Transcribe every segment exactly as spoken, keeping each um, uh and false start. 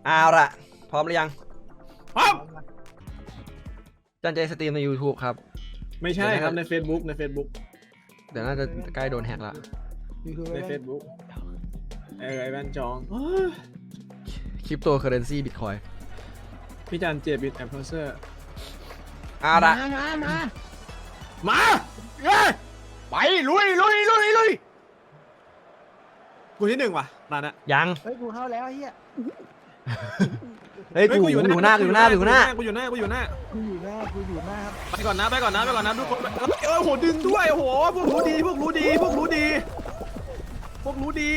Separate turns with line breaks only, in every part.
เอาละพร้อมหรือยัง
พร้อม
จันเจสตรีมใน YouTube ครับ
ไม่ใช่ครับใน Facebook ใน Facebook
เดี๋ยวน่าจะใกล้โดนแฮกละ
ใน Facebook เออไอแวนจอง
คริปโตเคอเรนซีบิตคอย
พี่จันเจบิตแอมเพอร์เซอร์
เอาละ
มามามา
มาเอ้ย
ไปลุยลุยลุยลุย
กูที่หนึ่งว่ะตอนนั้น
ยัง
เฮ้ยกูเข้าแล้วไอ้เหี้ย
เฮ้ยกูอยู่หน้ากูอยู่หน้ากูอยู่หน้า
กูอยู่หน้ากูอยู่หน้า
กูอยู่หน้ากูอยู่หน้าครับ
ไปก่อนนะไปก่อนนะไปก่อนนะทุกคนเอ้ยเออโหดึงด้วยโอ้โหพวกรู้ดีพวกรู้ดีพวกรู้ดีพวกรู้ดี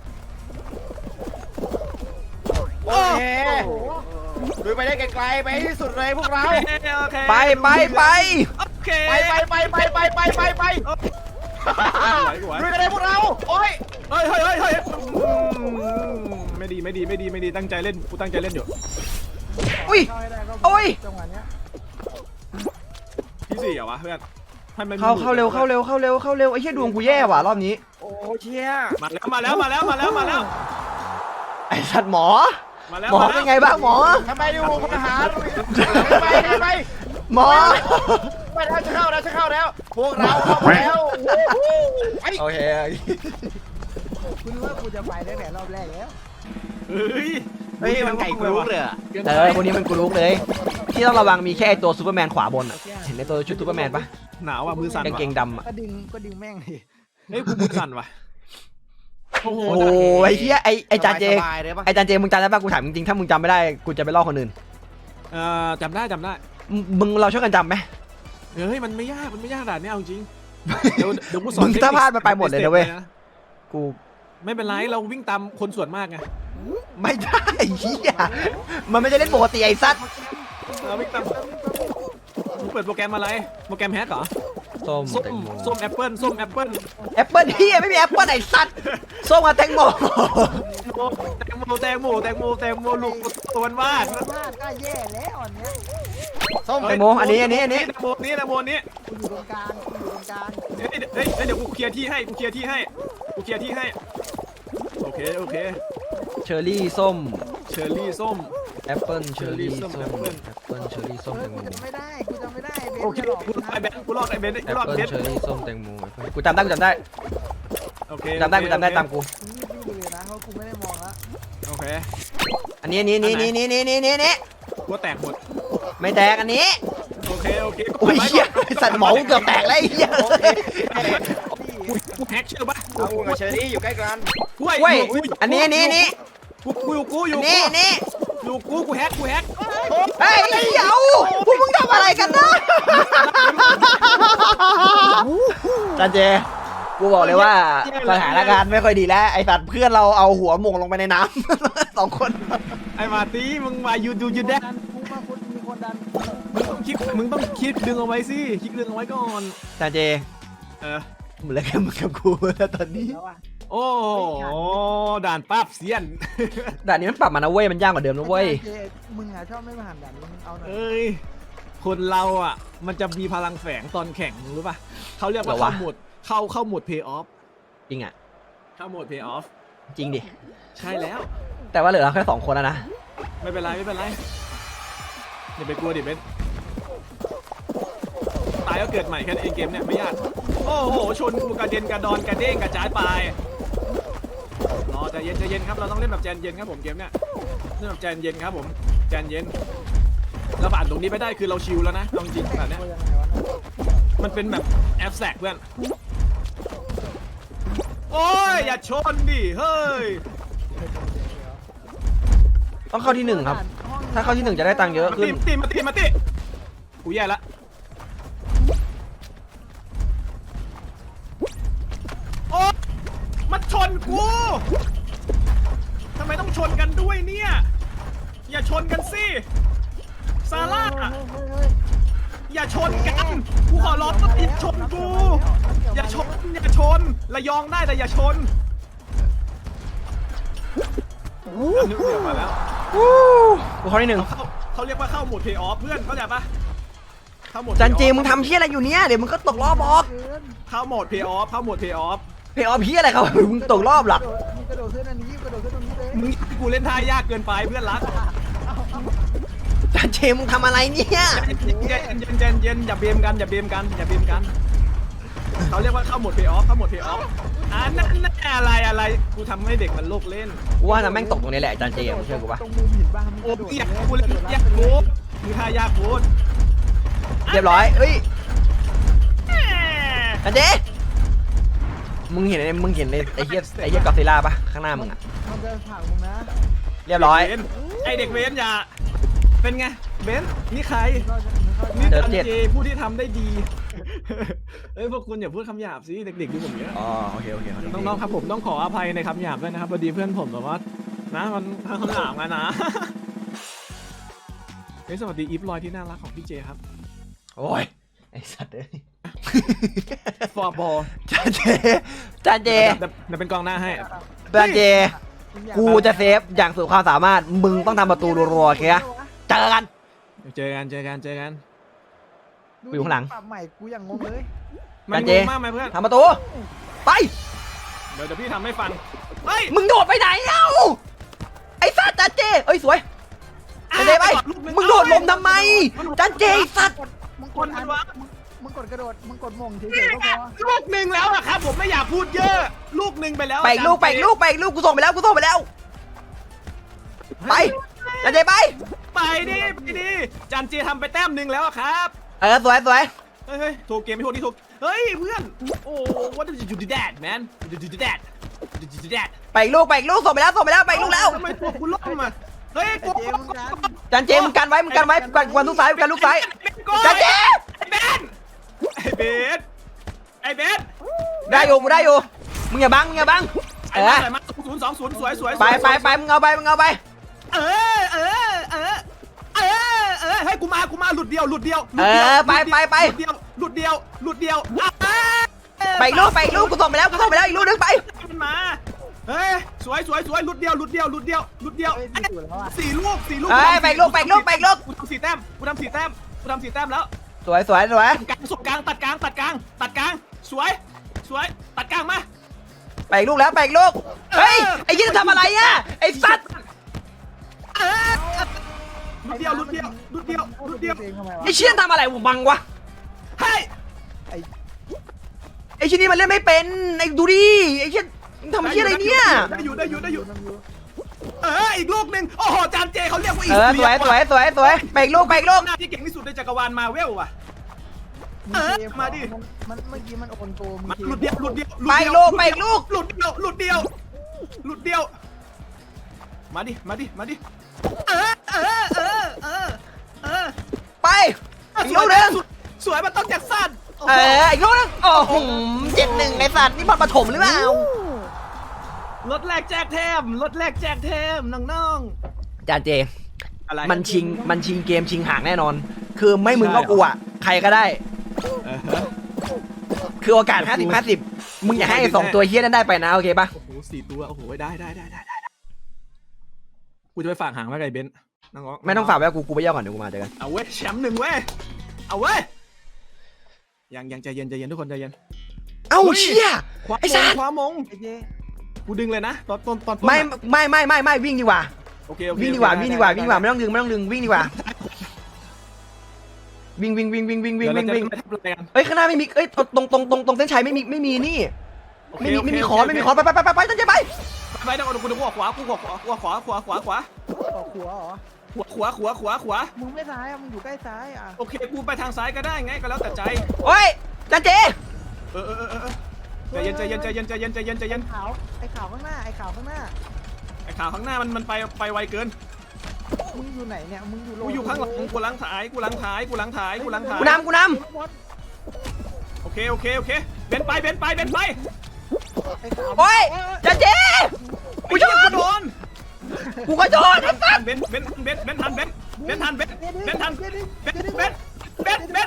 โอเคลุยไปได้ไกลๆไปให้ที่สุดเลยพวกเรา
โอเคโอเค
ไปไปไป
โอเค
ไปไปไปไปไปไปไปไปลุยกันเลยพวกเราโอ้ย
เฮ้ยเฮ้ยเฮ้ยเฮ้ยไม่ดีไม่ดีไม่ดีไม่ดีตั้งใจเล่นกูตั้งใจเล่นอยู่
อุ้ย
เข้าให้ได้ก็
โอ้ย
จังหวะเนี้ย
ที่สี่เหรอวะเพื่อนให้มัน
เข้าเข้าเร็วเข้าเร็วเข้าเร็วเข้าเร็วไอ้เหี้ยดวงกูแย่ว่ะรอบนี้
โอ้เชี่ย
มาแล้วมาแล้วมาแล้วมาแล้วมาแล้ว
ไอ้สัตว์หมอ
มาแล้ว
หมอเป็นไงบ้างหมอ
ทำไมอยู่พลทหารไปไป
หมอ
ไปแล้วจะเข้าแล้วจะเข้าแล้วพวกเราเข้าแล้วไป
โอเค
คุณว่ากูจะไปได้แต่รอบแรกแล้ว
เฮ้ย
เฮ้ยมันไก่กรุ๊กเลยอะ
เออคนนี้มันกูรู้เลยที่ต้องระวังมีแค่ไอ้ตัวซูเปอร์แมนขวาบนอ่ะเห็นในตัวชุดซูเปอร์แมนปะ
หนาวอ่ะมือสั่น
กางเกงดำอ่ะ
ก็ดึงก็ดึงแม่งดิ
เฮ้ยกูมือสั่นว่ะโอ้โห
โอ้ยไอ้เหี้ยไอ้ไอ้จานเจ
สบายๆเลยปะ
ไอ้จานเจมึงจำได้ปะกูถามจริงๆถ้ามึงจำไม่ได้กูจะไปล่อคนอื่น
เอ่อจำได้จำได้
มึงมึงเราช่วยกันจำไหม
เฮ้ยมันไม่ยากมันไม่ยากด่านนี้เอาจริงเดี๋ยวเดี๋ยวกูสอน
มึงถ้าพลาดมันไปหมดเลยนะเว้ย กู
ไม่เป็นไรเราวิ่งตามคนส่วนมากไง
ไม่ได้เหี้ยมันไม่ได้เล่นปกติไอ้สัตว์
เราวิ่งตามมึงเปิดโปรแกรมอะไรโปรแกรมแฮกเหรอ
ส้ม
ส้ม
แตงโม
ส้มแอปเปิ้ลส้มแอปเปิ้ล
แอปเปิ้ลเหี้ยไม่มีแอปเปิ้ลไอ้สัตว์ส้มกับแตงโม
แตงโมแตงโมแตงโมแตงโมลูกตัววาด
พลาดก็แย่แล้วอันเนี้ย
ส้มแตงโมอันนี้อันนี้อันนี้
แตงโมนี้แตงโมนี้
กูอยู่ตรงกลางกูอยู่ตรงกลาง
เฮ้ยเฮ้ยเดี๋ยวกูเคลียร์ที่ให้กูเคลียร์ที่ให้กูเคลียร์ที่ให้โอเคโอเค
เชอร์รี่ส้ม
เชอร์รี่ส้ม
แอปเปิ้ลเชอร์รี่
ส้
ส้
ม
ม
แอปเปิ้ล
แอปเปิ้ลเชอร์รี่ส้ม
เฮ้
แต
ย
ง
กู
โม
จำไม่ได้กูจำไม่ได้เบน
โอเค
จะหลอก
กูรอดไอเบนกูรอดไอเบน
แอ
กู
ป
รอด
เปิ้
เบ
ล
น
เชอร์รี่ส้มแตงโมกูจำได้กูจำได้
โอเค
จำได้กูจำได้ตามกู
นี่ดีเลยนะเพราะกูไม่ได้มองละ
โอเค
อันนี้อันนี้นี่นี่นี่นี่นี่นี่นี่
กูแตกหมด
ไม่แตกอันนี้
โอเคโอเค
โอ้ยเหี้ยสัตว์หมอกูเกือบแตกแล้วไอ้เหี้ย
กูกูแฮกเชื่อปะ
เอากูกับเชอรี่อยู่ใกล้กัน
กู
เว้ยอันนี้อันนี้อันนี้
กูกูอยู่กูอ
อั
ยู่
นนี้อันนี้
อยู่กูกูแฮกกูแฮก
เฮ้ยเดี๋ยวพวกมึงทำอะไรกันนะจันเจกูบอกเลยว่าสถานการณ์ไม่ค่อยดีแล้วไอ้สัตว์เพื่อนเราเอาหัวหม่งลงไปในน้ำ สองคน
ไอ้มาตีมึงมายูดูยูแดก
ดันกูมาคนมีคนดัน
มึงต้องคิดมึงต้องคิดดึงเอาไว้สิคิดดึงเอาไว้ก่อน
จันเจ
เออ
เหมือนแล้วแค่มึงกับกูแล้วตอนนี้
แล้วอ่ะ
โอ้ด่านปั๊บเสียน
ด่านนี้มันปรับมานะเว้ยมันยากกว่าเดิมนะเว้ย
เจมึงอ่ะชอบไม่มาหันดันมึงเอาหน่อย
เอ้ยคนเราอ่ะมันจะมีพลังแฝงตอนแข่งรู้ป่ะเขาเรียกว่า
เหรอวะ
เข้าโหมดเข้าเข้าโหมด pay off
จริงอ่ะ
เข้าโหมด pay off
จริงดิ
ใช่แล้ว
แต่ว่าเหลือเราแค่สองคนแล้วนะ
ไม่เป็นไรไม่เป็นไรอย่าไปกลัวดิเบนตายก็เกิดใหม่แค่นั้นเองเกมเนี่ยไม่ยากโอ้โหชนกูกระเด็นกระดอนกระเด้งกระจายไปรอใจเย็นใจเย็นครับเราต้องเล่นแบบใจเย็นครับผมเกมเนี่ยเล่นแบบใจเย็นครับผมใจเย็นเราผ่านตรงนี้ไปได้คือเราชิลแล้วนะเอาจริงๆแบบเนี้ย
กูยังไงวะเนี่ย
มันเป็นแบบแอปแสกเพื่อนโอ้ยอย่าชนดิเฮ้ย
ต้องเข้าที่หนึ่งครับ ถ้าเข้าที่หนึ่งจะได้ตังค์เยอะ
มา
ขึ้
ตี
น
มาตีมาตีมาตีกูแย่ละโอ้มันชนกูทำไมต้องชนกันด้วยเนี่ยอย่าชนกันสิซาร่าอย่าชนกันกูขอร้องว่าอย่าชนกูอย่าชนอย่าชนระยองได้แต่อย่าชนนึกเดือดมาแล้ว
วู้กูเข้าที่หนึ่ง
เขาเขาเรียกว่าเข้าโหมด pay off เพื่อนเข้าใจปะเข้าโหมด
จัน
pay
เจ
off
มึงทำเชี่ยอะไรอยู่เนี้ยเดี๋ยวมึงก็ตกรอบออก
เข้าโหมด pay off เข้าโหมด pay off
เพย์ออฟพี่อะไรครับมึงตกรอบหลัก
มึงกระโดดขึ้นอันนี้กระโดดขึ้นตรงนี้เลย
มึงให้กูเล่นท่ายากเกินไปเพื่อนรัก
จานเจมึงทำอะไรเนี่ย
เย็นเย็นเย็นเย็นอย่าเบมกันอย่าเบมกันอย่าเบมกันเขาเรียกว่าเข้าโหมดเพย์ออฟเข้าโหมดเพย์ออฟอ่านั่นนั่นอะไรอะไรกูทำให้เด็กมันโลกเล่น
ว่านะแม่งตกตรงนี้แหละจานเจมึงเชื่อกูปะ
ตรงมุมหินบ้างมึง
โอ้
กระโดด
ยอยากกูเลยอยากกูมึงท่ายากกู
เรียบร้อยเอ้ยจานเจมึงเห็นไอ้มึงเห็นไอ้ไอ้เหี้ยไอ้เหี้ยกอซิลล่าปะข้างหน้ามึงอะ
มันจะผ่านมึงนะ
เรียบร้อย
ไอเด็กเวนอย่าเป็นไงเบนนี่ใคร
เข้าใจเข้าใจ
นี่จันเจผู้ที่ทำได้ดีเอ้ยพวกคุณอย่าพูดคำหยาบสิเด็กๆดูผมเนี้ย
อ๋อโอเคโอเค
น้องๆครับผมต้องขออภัยในคำหยาบด้วยนะครับพอดีเพื่อนผมแบบว่านะมันคำหยาบมานะเฮ้ยสวัสดีอีฟลอยที่น่ารักของพี่เจครับ
โอ้ยไอ้สัตว์เอ้ย
ฟอร์บอล
จานเจจานเจ
เดี๋ยวเป็นกองหน้าให้
จานเจกูจะเซฟอย่างสุดความสามารถมึงต้องทำประตูรัวๆโอเคอะเจอกัน
เจอกันเจอกันเจอกัน
กูอยู่ข้างหลัง
ปรับใหม่กูอย่างงงเลย
มัน
จัน
ง
เจ
งมากไหมเพื่อน
ทำประตูไป
เดี๋ยวเดี๋ยวพี่ทำให้ฟังเฮ้ย
มึงโดดไปไหนเอ้าไอ้สัตว์จานเจเอ้ยสวยจานเจไปมึงโดดลมทำไมจานเจไอ้สัตว์
มึง
ค
ก
น
ด
มั
อั
น
น
วะ
มึงกดกระโดดมึงกดมงเฉยๆก็พอ
ลูกหนึ่งแล้วอะครับผมไม่อยากพูดเยอะ ลูกหนึ่งไปแล้ว
ไปอีกลูกไปอีกลูกไปอีกลูกกูส่งไปแล้วกูส่งไปแล้วไปจานเจไป
ไปดิไปดิจันเจทำไปแต้มหนึ่งแล้วอะครับ
เออสวยสวย
เฮ้ยเฮ้ยโทรเกมไม่โทรนี่โทรเฮ้ยเพื่อนโอ้ what did you do that man did you do that did you do that
ไปอีกลูกไปอีกลูกส่งไปแล้วส่งไปแล้วไปอีกลูกแล้ว
ทำไมตัวกูล่มอะเฮ้ยกู
เจมึงกัน
จานเจมึงกันไว้มึงกันไว้กันกันลูกซ้ายกันลูกซ้าย
จั
จาน
น
เจ
เจไอ้เบนไอ้เบน
ได้อยู่กูได้อยู่มึงอย่าบังมึงอย่าบัง
ไอ้
เอ
มา
อ
ใส่มาศูนย์สองศูนย์สวยสวย
ไปไปไปมึงเอาไปมึงเอาไป
เออเออเออเออเออให้กูมากูมาหลุดเดียวหลุดเดียว
เออไปไปไป
หลุดเดียวหลุดเดียวหลุดเดียว
ไปอีกลูกไปอีกลูกกูส่งไปแล้วกูส่งไปแล้วอีกลูกนึงไป
มันมาเฮ้ยสวยสวยสวยหลุดเดียวหลุดเดียวหลุดเดียวหลุดเดียว
เฮ้ยดีสุดแล้วอ่ะ
สี่ลูกสี่ลูก
เอ้ยไปอีกลูกไปอีกลูกไปอีกลูก
กูทำสี่แต้มกูทำสี่แต้มกูทำสี่แต้มแล้ว
สวยสวยสวย
กลางสุดกลางตัดกลางตัดกลางตัดกลางสวยสวยตัดกลางมา
ไปอีกลูกแล้วไปอีกลูกเฮ้ยไอ้ยี่จะทำอะไรอ่ะไอ้สัตว์
เออหลุดเดียวหลุดเดียวหลุดเดียวหลุดเดียว
ทำไมวะ
ไอ้เชี่ยทำอะไรผมบังวะ
เฮ้ย
ไอ้
ไอ้เชี่ยนี่มันเล่นไม่เป็นไอ้ดูดิไอ้เชี่ยมึงทำเชี่ยอะไรเนี่ย
ได้อยู่ได้อยู่ได้อยู่
น้ำยู
เอออีกลูกหนึ่งโอ้โหจานเจเขาเรียกว่าอี
เออสวยสวยสวยสวยไปอีกลูกไปอีกลูก
หน้าที่เก่งที่สุดในจักรวาลมาเวลว่ะ เออมาดิ
มันเมื่อกี้มันโอนโกมึง
มาหลุดเดียวหลุดเดียว
ไปอีกลูกไปอีกลูก
หลุดเดียวหลุดเดียวหลุดเดียวมาดิมาดิมาดิเออเออเออเออเออ
ไปอีกลูกหนึง
สวยมันต้องจากสั้น
เอออีกลูกหนึงโอ้โหเจ็ดหนึ่งไอ้สัตว์นี่บอลปฐมหรือเปล่าร
ถแรกแจกแถมรถแรกแจกแถมน้อง
จานเจ
ๆอะไร
มันชิงมันชิงเกมชิงหางแน่นอน คือไม่มึงก็กูอ่ะใครก็ได้
เออฮะ
คือโอกาสห้าสิบห้าสิบมึงอย่าให้ไอ้สองตัวเฮี้ยนั้นได้ไปนะโอเคปะ
โอ้โหสี่ตัวโอ้โหได้ได้ได้ได้ได้กูจะไปฝากหางไว้กับไอ้เบนซ์น้องๆ
ไม่ต้องฝากไว้กับกูกูไปย่อก่อนเดี๋ยวกูมาเจอกัน
เอาเว้ยแชมป์หนึ่งเว้ยเอาเว้ยยังยังใจเย็นใจเย็นทุกคนใจเย็น
เอ้า
เฮ้ย
เชี่ย
คว้า
ไอ้สั
ม
ส
งคว้ามง
ไอ้เจ
กูดึงเลยนะตอนตอนตอนต้น
ไม่
อะ
ไม่ไม่ไม่ไม่วิ่งดีกว่า
โอเคโอเค
วิ่งดีกว่า
โอเค
วิ่งดีกว่าวิ่งดีกว่าไม่ต้องดึงไม่ต้องดึงวิ่งดีกว่าวิ่งวิ่งวิ่งวิ่งวิ่งวิ่ง
เดี๋ยว
วิ่ง
เราจะ
วิ่ง
ไปทำอะไรกัน
เอ้ยข้างหน้าไม่มีเอ้ยตรงตรงตรงตรงเส้นชัยไม่มีไม่มีนี่
โอเค
ไม่มี
โอเค
ไม่มี
โอ
ขอ
เค
ไม่มีขอไปไปไปไปไปตั้งใจไป
ไปเดี๋ยวกูกูขวาขวากูขวาขวาขวาขวาขวาขวาขวา
ออกหัวเหรอ
ขวาขวาขวาขวาขวา
มึงไม่ซ้ายอ่ะมึงอยู่ใกล้ซ้ายอ่ะ
โอเคกูไปทางซ้ายก็ได้ไงก็แล้วแต่ใจ
โอ้ยจันเจ
เออเออเออเออใจเย็นใจเย็นใจเย็นใจเย็นใจเย็นใจเย็น
ขาวไอ้ขาวข้างหน้าไอ้ขาวข้างหน้า
ไอ้ข่าวข้างหน้ามันมันไปไปไวเกิน
มึงอยู่ไหนเนี่ยมึงอยู่โล
กูอยู่ข้างหลังกูหลังถ่ายกูหลังถ่ายกูหลังถ่ายกูหลังถ่าย
กูนำกูน
โอเคโอเคโอเคเบนไปเบนไปเบนไป
ไอ้ขาว
ำโอ้ยจันเจกูช
ไอ้
น
เหี้ยกูโดน
กูก็ชนไอ้สัส
เบนเบนเบนเบนทันเบนเบนทันเบนเบนทันเบนเบนเบนเบนเบน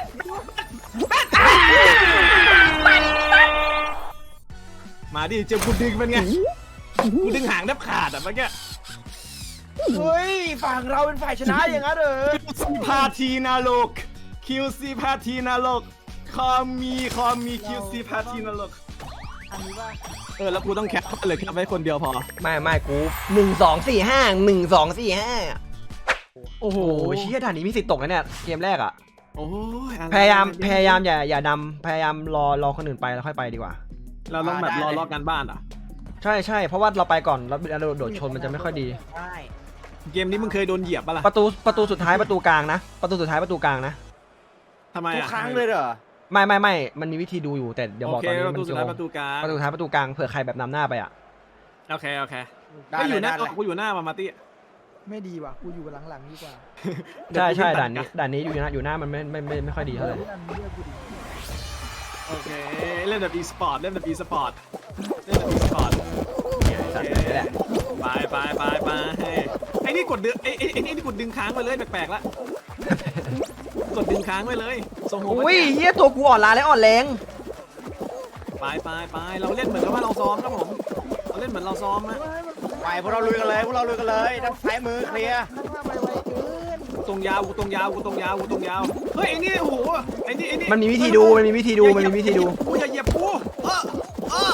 มาดิเจอกูดึงเป็นไงกูดึงหางแทบขาดอ่ะเมื่อกี้
เฮ้ยฝั่งเราเป็นฝ่ายชนะอย่างนั้นเหรอ
คิวซีพาทีนาโลกคิวซีพาทีนาโลกคอมมีคอมมีคิวซีพาทีนาโลก
อันนี้ว่า
เออแล้วกูต้องแคปเลยแคปไว้คนเดียวพอ
ไม่ไม่กูหนึ่งสองสี่ห้าหนึ่งสองสี่ห้า
โอ้โห
โอ้ยเชี่ยด่านนี้มีสิทธิ์ตกนะเนี่ยเกมแรกอ่ะ
โอ้ยอะไร
พยายามพยายามอย่าอย่านำพยายามรอรอคนอื่นไปแล้วค่อยไปดีกว่า
เราต้องแบบรอรอบกันบ้านอ่ะ
ใช่ใช่เพราะว่าเราไปก่อนแล้วเราโดดชนมันจะไม่ค่อยดี
ได้
เกมนี้มึงเคยโดนเหยียบปะล่ะ
ประตูประตูสุดท้ายประตูกลางนะประตูสุดท้ายประตูกลางนะ
ทำไม
ทุก
อ่ะ
ครั้งเลยเหรอ
ไม่ไม่ไม่มันมีวิธีดูอยู่แต่เดี๋ยวบอก
โอเค
ตอนนี้
ป
มั
ระ
น
ตูสุด
โย
ท้าย
ง
ประตูกลาง
ประตูสุดท้ายประตูกลางเผื่อใครแบบนำหน้าไปอ่ะ
โอเคโอเค
ได้
ไม่อยู่หน้า
ได้เลย
กูอยู่หน้ามามาตี้
ไม่ดีว่ะกูอยู่หลังๆดีกว่า
ใช่ใช่ด่านนี้ด่านนี้อยู่หน้าอยู่หน้ามันไม่ไม่ไม่ไม่ค่อยดีเท่าไหร่
อันนี้เลือกกูดี
โอเคเล่นแบบ e-sport เล่นแบบ e-sport เล่นแบบ e-sport
สัตว์นี่แหละ
ไปไปไปไปไอ้นี่กดดึงไอ้ไอ้ไอ้นี่กดดึงค้างไปเลยแปลกๆละกดดึงค้างไปเลยส่งหัว
อุ้ยเฮียตัวกูอ่อนล้าและอ่อนแรง
ไปไปไปเราเล่นเหมือนกับว่าเราซ้อมครับผมเราเล่นเหมือนเราซ้อมนะ
ไปพวกเราลุยกันเลยพวกเราลุยกันเลยด้านซ้ายมือเคลียร์
นั่งว่าไปไวเกิน
กูตรงยาวกูตรงยาวกูตรงยาวกูตรงยาวเฮ้ยไอ้นี่โอ้โหไอ้นี่ไอ้นี่
มันมีวิธีดูมันมีวิธีดูมันมีวิธีดู
กูอย่าเหยียบกูเออเออ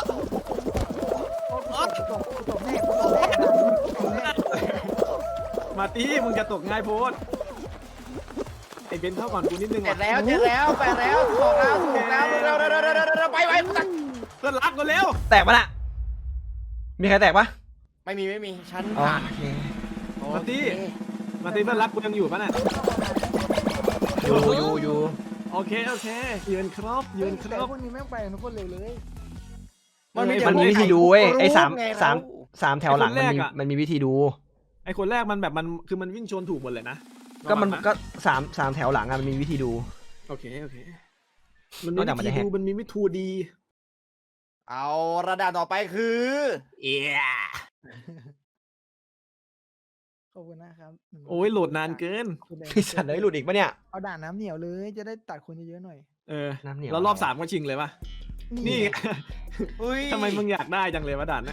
กูตกกูตกแน่กูตกแน่กูตกแน่
มาตีมึงจะตกง่ายโพดไอ้เบนเข้าก่อนกูนิดนึง
เสร็
ว่ะ
จแล้วเสร็จแล้วไปแล้วถูกแล้วถูกแล้วเร็วเร็วเร็วเร็วเร็วเร็วไปไปตัก
เพื่อนรักกันเร็ว
แตกปะน่ะมีใครแตกปะ
ไม่มีไม่มีฉัน
อ๋อ
ผ่าน
โอเค
มาตีมาตีเพื่อนรักกูยังอยู่ปะน่ะ
อยู่อยู่อยู่
โอเคโอเคยืนครบยืนคร
แต่
บ
พวกนี้แม่งไปทุกคนเร็วเลย
มันมีวิธีดูเว้ยไอ้สาม
ไงเร
สามสามแถวหลังมันมี
ไอ้คนแรกอะ
มันมีวิธีดู
ไอ้คนแรกมันแบบมันคือมันวิ่งชนถูกหมดเลยนะ
ก็มัน
ระวังะ
ก็สามสามแถวหลังอะมันมีวิธีดู
โอเคโอเคมัน
น
มี
อกจากมัน
วิ
จะ
ธี
แฮก
ดูมันมีวิธีดี
เอาระดับต่อไปคือ
เอีย
ขอบคุณนะครับ
โอ้ยโหลดนานเกิน
ไอ้สัตว์เลยหลุดอีกปะเนี่ย
เอาด่านน้ำเหนียวเลยจะได้ตัดคนเยอะๆหน่อย
เออ
น้ำเหนียว
แล้วรอบสามก็ชิงเลยปะนี่ไง
อุ้ย
ทำไมมึงอยากได้จังเลยวะด่านนะ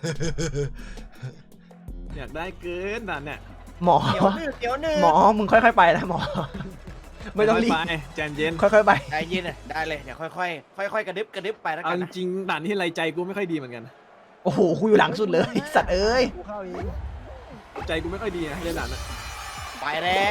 อยากได้เกินด่านเนี่ย
หมอ
เดี๋ยวหนึ่งเดี๋ยวหนึ่ง
หมอมึงค่อยๆไปนะหมอ ไม่ต้องรีบ
ไปใจเย็น
ค่อยๆไป
ใจเย็นอ่ะได้เลยเดี๋ยวค่อยๆค่อยๆกระดึบกระดึบไปแล้ว
เอา
กัน
จ
นะ
ริงๆด่านที่ไรใจกูไม่ค่อยดีเหมือนกัน
โอ้โหกูอยู่หลังสุดเลยไอ้สัตว์เอ้ย
กูเข้าเอง
ใจกูไม่ค่อยดีนะเล่นด่านน่ะ
ไปแล้ว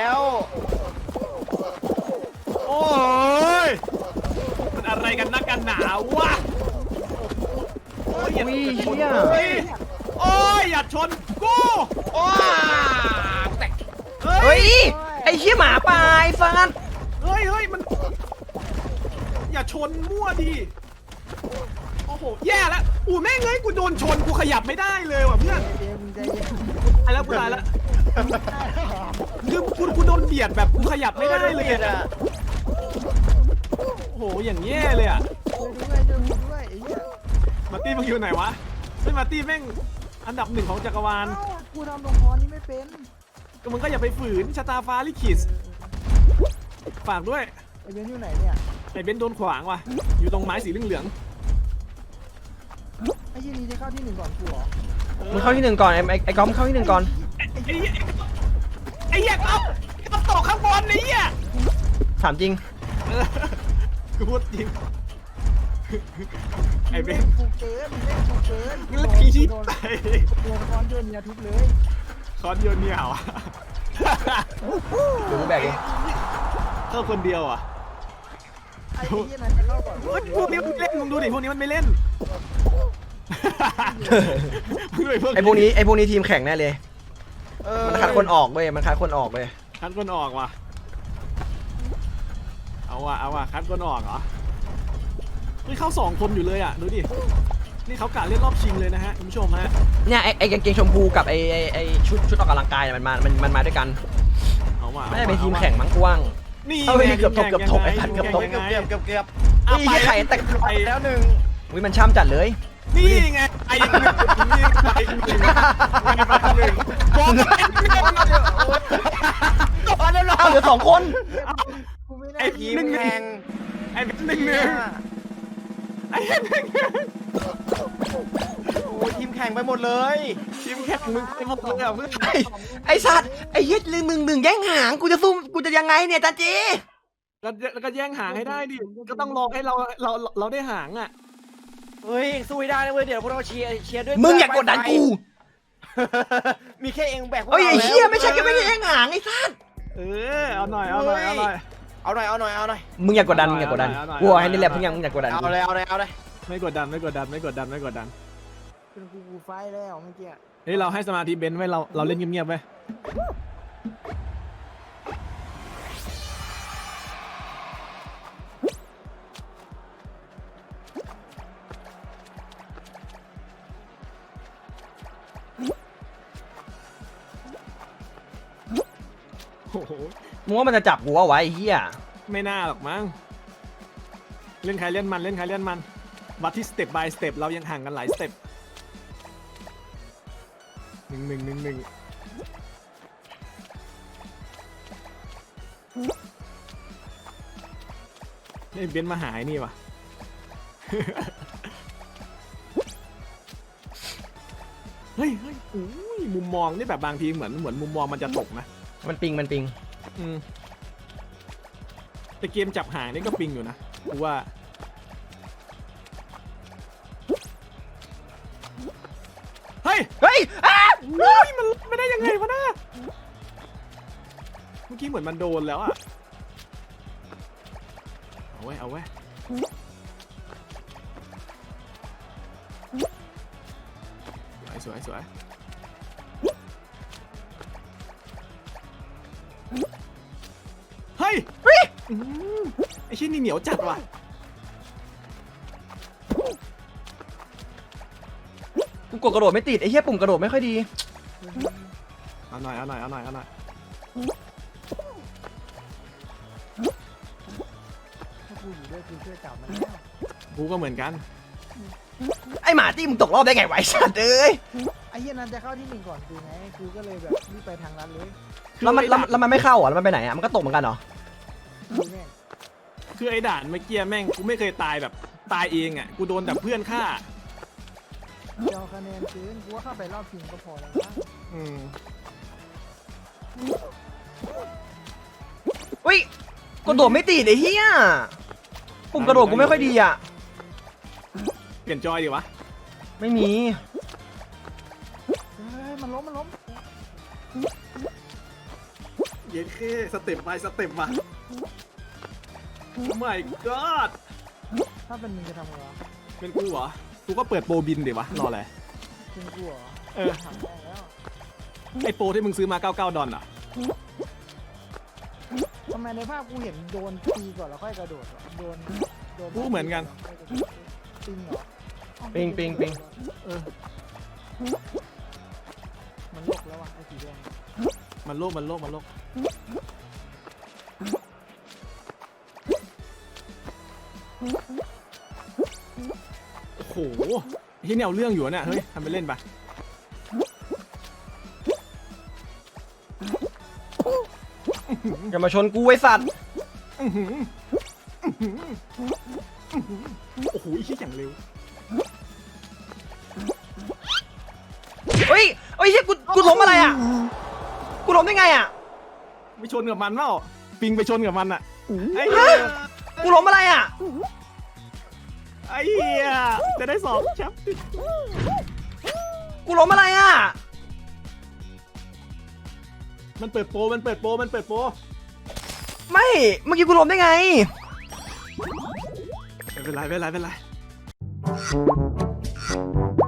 โอ้ยมันอะไรกันนักกันหนาวะโอ้ยอย่า
อุ้ยเชี่ย
โอ้ยโอ้ยอย่าชนกู
โอ้แตก
เฮ้
เฮ้
ย
ยไอ้เชี่ยหมาป่าไอ้ฟัน
เฮ้ยเฮ้ยมันอย่าชนมั่วดิโอ้โหแย่แล้วอู้แม่งเอ้ยกูโดนชนกูขยับไม่ได้เลยว่ะเพื่อน
ใจเย็นใจเย็น
ตายแล้วกูตายแล้วคือกูกูโดนเบียดแบบกูขยับไม่ได้เลย
อ่ะ
อะโอ้โหอย่างแย่เลยอ่ะ
ช่วยด้วยช่วยกูด้วยไอ้เหี้ย
มาร์ตี้มึงอยู่ไหนวะไม่มาร์ตี้แม่งอันดับหนึ่งของจักรวาล
เอ้ากูทำลงคอนี่ไม่เป็น
ก็มึงก็อย่าไปฝืนชะตาฟ้าลิขิตฝากด้วย
ไอ้เบนอยู่ไหนเนี่ย
ไอ้เบนซ์โดนขวางว่ะอยู่ตรงไม้สีเหลือง
ไอ้ยี่นี้จะเข้าที่หนึ่งก่อนกูเหรอ
มึงเข้าที่หนึ่งก่อนไอ้ไอ้ไอ้ก๊อฟมึงเข้าที่หนึ่งก่อน
ๆไอ้ไอ้ไอ้เหี้ยเอาเอาตกข้างบนไอ้เหี้ย
ถามจริง
เออกูพูดจริงไอ้เบ
เล่
น
น
ซ์
กูเกินเล่นกูเกิน
มึงเล่นขี้ชิบ
โดน
ไป
โดนคอนโยนเนี่ยทุบเลย
คอนโยนเนี่ยเหรอ
เดี๋ยวกูแบกเอง
เข้าคนเดียวอ่ะ
ไอ้ยี่นั้นจะเข้าก่อน
เฮ้ยพวกนี้มันไม่เล่นมึงดูดิพวกนี้มันไม่เล่นมึงดูดิพวก
ไอ้พวกนี้ไอ้พวกนี้ทีมแข่งแน่เลย
เออ
มันคัดคนออกเว้ยมันคัดคนออกเว้ย
คัดคนออกว่ะเอาว่ะเอาว่ะคัดคนออกเหรอเฮ้ยเข้าสองคนอยู่เลยอ่ะดูดินี่เขากะเล่นรอบชิงเลยนะฮะคุณผู้ชมฮะ
เนี่ยไอ้ไอ้กางเกงชมพูกับไอ้ไอ้ไอ้ชุดชุดออกกำลังกายเนี่ยมันมามันมันมาด้วยกัน
เอาว่ะ
ไม่ได้เป็นทีมแข่งมั้งกว้าง
นี่
เอาไปดิ
ไง
เกือบตก
ทีม
เกือบตกไอ้สัตว์เกือบตก
ยัง
เกือบ
ไง
เกือบเกือบเกือบ
อ่ะ
ไอ้เหี้ยไข่แต่
ไปแล้วหนึ่ง
อุ้ยมันช่ำจัดเลย
นี่ไงไอ้หนึ่งนี่ไอ้หนึ่งไอ้หนึ่งบอกไอ้หนึ่ง
อ๋อเรียบร้อย
อ้าวเหลือสองคน
กูไม่ได้
ไอ้
ที
ที
ม
มหนึ่ง
แข่ง
ไอ้หนึ่งหนึ่งหนึ่งไอ้หนึ่งหนึ่ง
โอ้ยทีมแข่งไปหมดเลย
ทีมแข่งมึงไปหมดเลยอ่ะเพื่อน
ไอ้ไอ้สัตว์ไอ้เหี้ยลืมหนึ่งหนึ่งแย่งหางกูจะสู้กูจะยังไงเนี่ยจันจี
แล้วแล้วก็แย่งหางให้ได้ดิก็ต้องรอให้เราเราเราได้หางอ่ะ
เฮ้ยสู้ให้ได้นะเว้ยเดี๋ยวพวกเราเชียร์เชียร์ด้วย
มึงอย่ากดดันกู
มีแค่เองแบกพวก
เฮ้ย
เรา
ไอ้เหี้ย
แล้ว
ไม่ใช่แค่ไม่ได้แย่งหางไอ้สัส
เออเอาหน่อยเอาหน่อยเอาหน่อย
เอาหน่อยเอาหน่อยเอาหน่อย
มึงอย่ากดดันมึงอย่ากดดัน
เอาหน่อย
กูบอกให้
เอาหน่อย
นี่แหละเพิ่งยังมึงอย่ากดดัน
เอา
กู
เลยเอาเลยเอาเลย
ไม่กดดันไม่กดดันไม่กดดันไม่กดดัน
เป็นกูกูไฟแล้วเมื่อกี้
เฮ้ยเราให้สมาธิเบนซ์ไว้เราเราเล่นเงียบๆไว้ โอ้โห
มึงว่ามันจะจับกูเอาไว้ไอ้เหี้ย
ไม่น่าหรอกมั้งเล่นใครเล่นมันเล่นใครเล่นมันวัดที่สเต็ป by สเต็ปเรายังห่างกันหลายสเต็ปหนึ่งหนึ่งหนึ่งหนึ่งนี่เบนซ์มาหายนี่วะ เฮ้ยเฮ้ยอุ้ยมุมมองนี่แบบบางทีเหมือนเหมือนมุมมองมันจะตกนะ
มันปิงมันปิง
อืมแต่เกมจับหางนี่ก็ปิงอยู่นะกูว่าเฮ้ย
เฮ้ยอ้า
เฮ้ยมันไม่ได้ยังไงวะน่ะเมื่อกี้เหมือนมันโดนแล้วอะเอาไว้เอาไว้สวยสวยสวยเฮ้ย
เฮ้ย
อื้อหือไอ้ชิ้นนี่เหนียวจัดว่ะ
กูกดกระโดดไม่ติดไอ้เหี้ยปุ่มกระโดดไม่ค่อยดี
เอาหน่อยเอาหน่อยเอาหน่อยเอาหน่อย
ถ้ากูอยู่ด้วยกูช่วยจับมันแล้ว
กูก็เหมือนกัน
ไอ้หมาตี้มึงตกรอบได้ไงวะไอ้สัตว์เอ้ย
ไอ้เหี้ยนั้นจะเข้าที่หนึ่งก่อนกูไงกูก็เลยแบบรีบไปทางนั้นเลย
แล้วมันแล้วแล้วมันไม่เข้าอ่ะแล้วมันไปไหนอ่ะมันก็ตกเหมือนกันเหรอ
ดูแม่ง
คือไอ้ด่านเมื่อกี้แม่งกูไม่เคยตายแบบตายเองอ่ะกูโดนแต่เพื่อนฆ่า
เจ้าคะแนนคืนกูว่าเข้าไปรอบชิงก็พอแล้วนะ
อืม
เฮ้ยกระโดดไม่ติดไอ้เหี้ยปุ่มกระโดดกูไม่ค่อยดีอ่ะ
เปลี่ยนจอยดีวะ
ไม่มี
เฮ้ยมันล้มมันล้ม
เย็นแค่สเต็ปไปสเต็ปมาไม่กอด
ถ้าเป็นมึงจะทำไงวะ
เป็นกูเหรอกูก็เปิดโปรบินดิวะรออะไร
เป็นกูเหรอ
เออ
ทำได้แล้ว
ไอโปรที่มึงซื้อมาเก้าสิบเก้าดอลลาร์อ่ะ
ทำไมในภาพกูเห็นโดนตีก่อนแล้วค่อยกระโดดวะโดนโดน
กูเหมือนกัน
ปิงเหรออ้าว
ปิงปิงปิง
เออ
มันโลกแล้ววะไอ้สีแดง
มันโลกมันโลกมันโลกโอ้โหที่เนี่ยเอาเรื่องอยู่เนี่ยเฮ้ยทำไปเล่นไป
อย่ามาชนกูไอ้สัตว์
อื้อหืออื้อหืออื้อหือโอ้โหอีกอย่างเร็ว
เฮ้ยเฮ้ยเหี้ยกูกูล้มอะไรอ่ะกูล้มได้ไงอ่ะ
ไปชนกับมันเปล่าปิงไปชนกับมันอ่ะไอ้
ฮะ กูล้มอะไรอ่ะ
ไอ้เหี้ยจะได้สอบแชมป์
กูล้มอะไรอ่ะ
มันเปิดโปรมันเปิดโปรมันเปิดโปร
ไม่เมื่อกี้กูล้มได้ไง
ไม่เป็นไรไม่เป็นไรไม่เป็นไร